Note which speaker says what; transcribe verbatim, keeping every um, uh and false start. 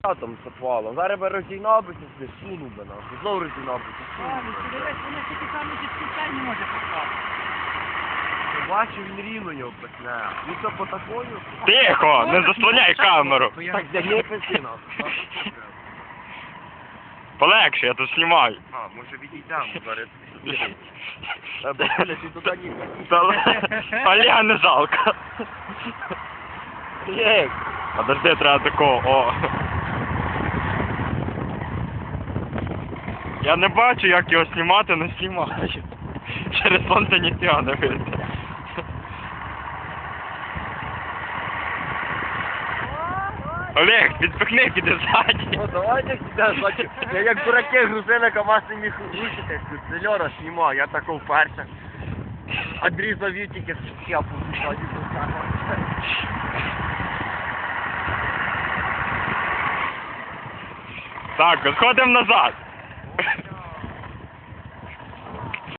Speaker 1: там з отвалом. Зараз би розігнав би це, сунув би нас. Знову розігнав би це, сунув
Speaker 2: Ладно,
Speaker 1: би.
Speaker 2: дивись, вона тільки саме підключай не може поставити.
Speaker 1: Бачу, він рівно його пекне. Він це по такою?
Speaker 3: Тихо, не заслоняй камеру.
Speaker 1: Так, не песи нас.
Speaker 3: Полегше, я тут знімаю.
Speaker 1: А, може відійдемо зараз. Та, Бля, ти туди ніхай.
Speaker 3: Та Олега не жалко.
Speaker 1: Як?
Speaker 3: Подожди, треба такого, о. Я не бачу, як його знімати, не знімаю. Через сонце ніфіга не видно. Олег, підпихни, піди ззаді.
Speaker 1: Ну давайте сюди, значить, я як дураки грузили, КамАЗ не міг рушити, це Льора знімав, я тако вперше. Андрій завів тільки щепу, тоді тут.
Speaker 3: Так, сходимо назад.